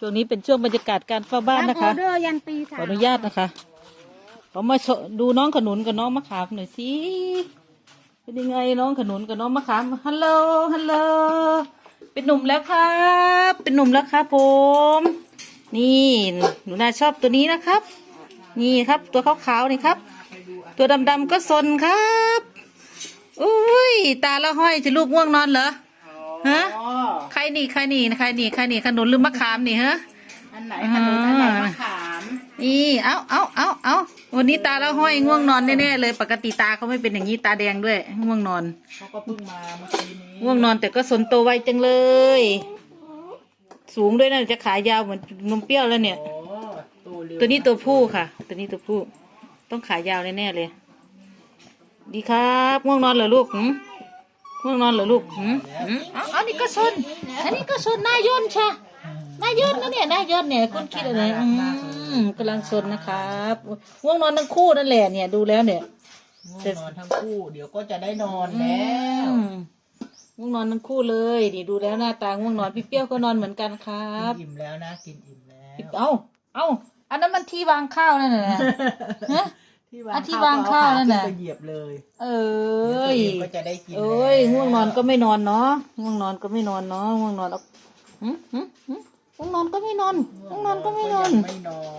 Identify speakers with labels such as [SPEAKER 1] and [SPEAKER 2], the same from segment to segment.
[SPEAKER 1] ช่วงนี้เป็นช่วงบรรยากาศการเฝ้าบ้านนะคะ
[SPEAKER 2] ออเดอร์ยันตี
[SPEAKER 1] ขออนุญาตนะคะขอมาดูน้องขนุนกับน้องมะขามหน่อยสิเป็นยังไงน้องขนุนกับน้องมะขามฮัลโหลฮัลโหลเป็นหนุ่มแล้วครับเป็นหนุ่มแล้วครับผมนี่หนูนาชอบตัวนี้นะครับ นี่ครับตัวขาวๆนี่ครับ ตัวดำๆก็ซนครับอุ้ยตาละห้อยจะลูกง่วงนอนเหรอฮะใครนี่ใครนี่ใครนี่ใครนี่ขนุนหรือมะขามนี่ฮะ
[SPEAKER 2] อันไหนขนุนอันไหนมะขาม
[SPEAKER 1] นี่เอาวันนี้ตาละห้อยง่วงนอนแน่ๆเลยปกติตาเขาไม่เป็นอย่างนี้ตาแดงด้วยง่วงนอน
[SPEAKER 2] เขาก็เพิ่งมาเมื่อกี้นี้
[SPEAKER 1] ง่วงนอนแต่ก็สนโตไวจังเลย สูงด้วยนะจะขายาวเหมือนนมเปรี้ยวแล้วเนี่ย
[SPEAKER 2] โอ้เร็ว
[SPEAKER 1] ตัวนี้ตัวผู้ค่ะ ตัวนี้ตัวผู้ต้องขายาวแน่ๆเลย ดีครับง่วงนอนเหรอลูกง่วงนอนเหรอลูกอันนี้ก็ซนอันนี้ก็ซนนายนใช่นายนนะเนี่ยนายนเนี่ยคุณคิดอะไรกำลังซนนะครับง่วงนอนทั้งคู่นั่นแหละเนี่ยดูแล้วเนี่ย
[SPEAKER 2] ง่วงนอนทั้งคู่เดี๋ยวก็จะได้นอนแล้ว
[SPEAKER 1] ง่วงนอนทั้งคู่เลยนี่ดูแล้วหน้าตาง่วงนอนพี่เปรี้ยวก็นอนเหมือนกันครับ
[SPEAKER 2] กินอิ่มแล้วนะกินอิ่มแล้ว
[SPEAKER 1] เอาอันนั้นมันที่วางข้าวนั่นแหละฮะ ที่วางข้าวนั่นน่ะ
[SPEAKER 2] ไปเหยียบเลย
[SPEAKER 1] เอ้ย
[SPEAKER 2] เดี๋ยวตัวเองก็จะได้กิน
[SPEAKER 1] เอ้ยง่วงนอนก็ไม่นอนเนาะง่วงนอนก็ไม่นอนเนาะง่วงนอนเอาง่วงนอนก็ไม่นอนง่วงนอนก็ไม่นอน
[SPEAKER 2] ไม่นอน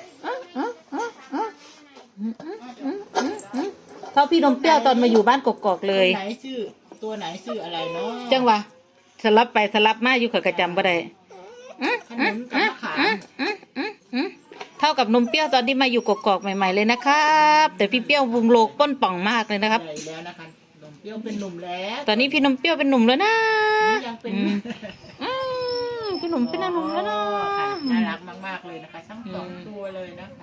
[SPEAKER 1] เท่าพี่นมเปรี้ยวตอนมาอยู่บ้านกกอกเลย
[SPEAKER 2] ตัวไหนชื่ออะไรเนาะ
[SPEAKER 1] จังหวะสลับไปสลับมาอยู่กับกระจำบ่ได้
[SPEAKER 2] ขนุนกับมะขาม
[SPEAKER 1] เท่ากับนมเปรี้ยวตอนที่มาอยู่กกอกใหม่ๆเลยนะครับ แต่พี่เปรี้ยววงโลกป้นป่องมากเลยนะครับ
[SPEAKER 2] ใหญ่แล้วนะคะนมเปรี้ยวเป็นหนุ่มแล้ว
[SPEAKER 1] ตอนนี้พี่นมเปรี้ยวเป็นหนุ่มแล้วนะ
[SPEAKER 2] นี่ยังเป็น
[SPEAKER 1] พี่หนุ่มเป็นหนุ่มแล้วนะ
[SPEAKER 2] ค่ะน่ารักมากๆเลยนะคะทั้งสองตัวเลยนะคะ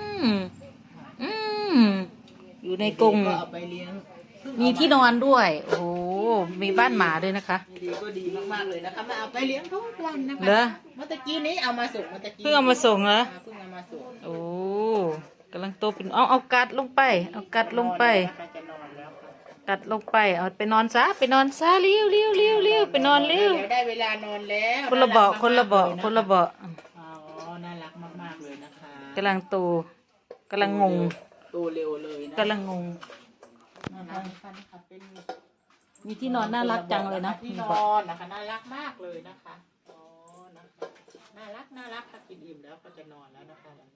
[SPEAKER 1] อยู่ในกรง
[SPEAKER 2] ก็เอาไปเลี้ยง
[SPEAKER 1] มีที่นอนด้วย โอ้โหมีบ้านหมาด้วยนะคะ
[SPEAKER 2] ดีก็ดีมากๆเลยนะคะมาเอาไปเลี้ยงทุกวันนะคะ
[SPEAKER 1] เหรอ
[SPEAKER 2] เมื่อตะกี้นี้เอามาส่งเมื่อตะกี้
[SPEAKER 1] เพิ่งเอามาส่งเหรอ
[SPEAKER 2] เพิ่งเอามาส่ง
[SPEAKER 1] โอ้กำลังโตเป็นเอากัดลงไป เอากัดลงไป
[SPEAKER 2] จะนอนแล้วค่ะ
[SPEAKER 1] กัดลงไป เอาไปนอนซะไปนอนซะเลี้ยวไปนอนเลี้ยว
[SPEAKER 2] เดี๋ยวได้เวลานอนแล้ว
[SPEAKER 1] คนละเบาะคนละเบาะคนละเบาะ
[SPEAKER 2] อ๋อน่ารักมากๆเลยนะคะ
[SPEAKER 1] กำลังโตกำลังงง
[SPEAKER 2] โตเร็วเลยนะ
[SPEAKER 1] กำลังงง
[SPEAKER 2] น่ารักนะคะเป็น
[SPEAKER 1] มีที่นอนน่ารักจังเลยนะ
[SPEAKER 2] ที่นอนนะคะน่ารักมากเลยนะคะอ๋อนะคะน่ารักถ้ากินอิ่มแล้วก็จะนอนแล้วนะคะวันนี้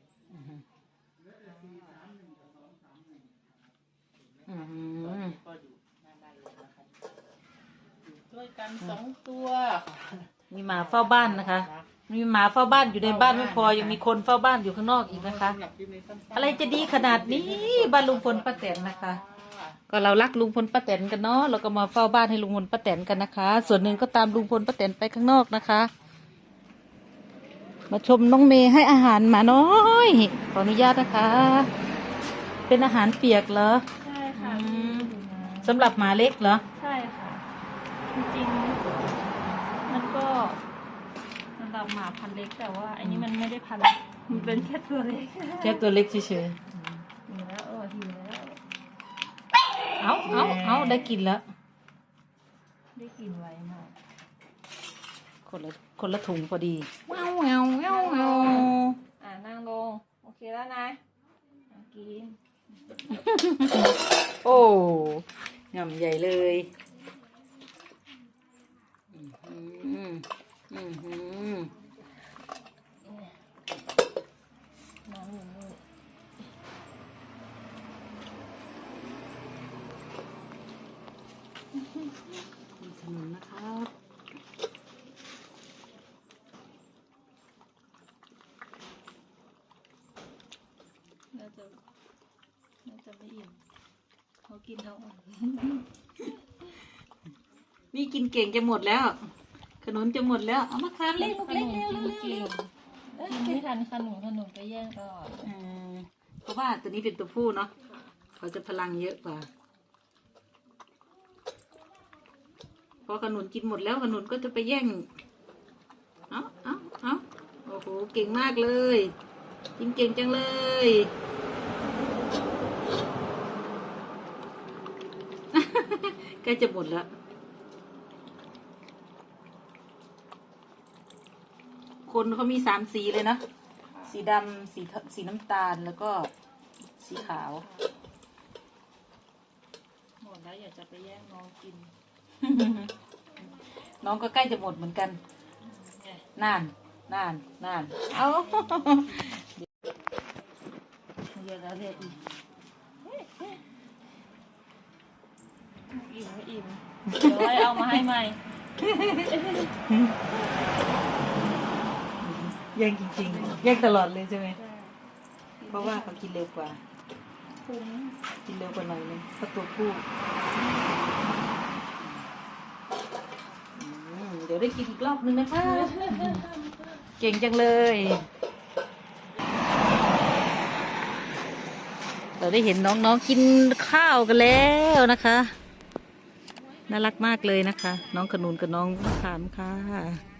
[SPEAKER 2] ก็อยู่หน้าบ้านเลยนะคะช่วยกันสองตัว
[SPEAKER 1] มีหมาเฝ้าบ้านนะคะ มีหมาเฝ้าบ้านอยู่ในบ้านไม่พอยังมีคนเฝ้าบ้านอยู่ข้างนอกอีกนะคะ อะไรจะดีขนาดนี้บ้านลุงพลป้าแตนนะคะ ก็เรารักลุงพลป้าแตนกันเนาะเราก็มาเฝ้าบ้านให้ลุงพลป้าแตนกันนะคะ ส่วนหนึ่งก็ตามลุงพลป้าแตนไปข้างนอกนะคะ มาชมน้องเมย์ให้อาหารหมาน้อยขออนุญาตนะคะ เป็นอาหารเปียกเหรอ
[SPEAKER 3] ใช่ค่ะ
[SPEAKER 1] สำหรับหมาเล็กเหรอ
[SPEAKER 3] ใช่ค่ะ จริงๆมันก็สำหรับหมาพันธุ์เล็กแต่ว่าอันนี้มันไม่ได้พันธุ์มันเป็นแค่ตัวเล็ก
[SPEAKER 1] แค่ตัวเล็กเฉย
[SPEAKER 3] หิวแล้วหิวแล้ว
[SPEAKER 1] ๆเอาได้กินแล้ว
[SPEAKER 3] ได้กลินไวมาก
[SPEAKER 1] คนละถุงพอดีเงา
[SPEAKER 3] นั่งลงโอเคแล้วนะกิน
[SPEAKER 1] โอ้งำใหญ่เลย
[SPEAKER 3] น้องอยู่นี่
[SPEAKER 1] ขนมนะครับ
[SPEAKER 3] น่าจะไม่อิ่มเขากินทั้งวัน
[SPEAKER 1] นี่กินเก่งจะหมดแล้ว ขนมจะหมดแล้วเอามาทานเล็กลูกเล็กเร็ว
[SPEAKER 3] กินไม่ทันขนมไปแย่งตลอด
[SPEAKER 1] เพราะว่าตัวนี้เป็นตัวผู้เนาะเขาจะพลังเยอะกว่าพอขนุนกินหมดแล้วขนุนก็จะไปแย่งเอาโอ้โหเก่งมากเลยกินเก่งจังเลยใกล้จะหมดแล้วคคนเขามี3 สีเลยนะ สีดำสีน้ำตาลแล้วก็สีขาว
[SPEAKER 3] หมดแล้วอยากจะไปแย่งน้องกิน
[SPEAKER 1] น้องก็ใกล้จะหมดเหมือนกัน
[SPEAKER 3] เนี่ย
[SPEAKER 1] นานเอา เยอะแล้วเรียกอีก
[SPEAKER 3] อิ่มไม่อิ่มเดี๋ยวให้เอามาให้ใหม่
[SPEAKER 1] แย่งจริงๆแย่งตลอดเลยใช่ไหมเพราะว่าเขากินเร็วกว่า
[SPEAKER 3] คุ้ม
[SPEAKER 1] กินเร็วกว่าหน่อยนึงเพราะตัวผู้เดี๋ยวได้กินอีกรอบนึงนะคะ เก่งจังเลย เราได้เห็นน้องๆกินข้าวกันแล้วนะคะ น่ารักมากเลยนะคะ น้องขนุนกับน้องมะขามค่ะ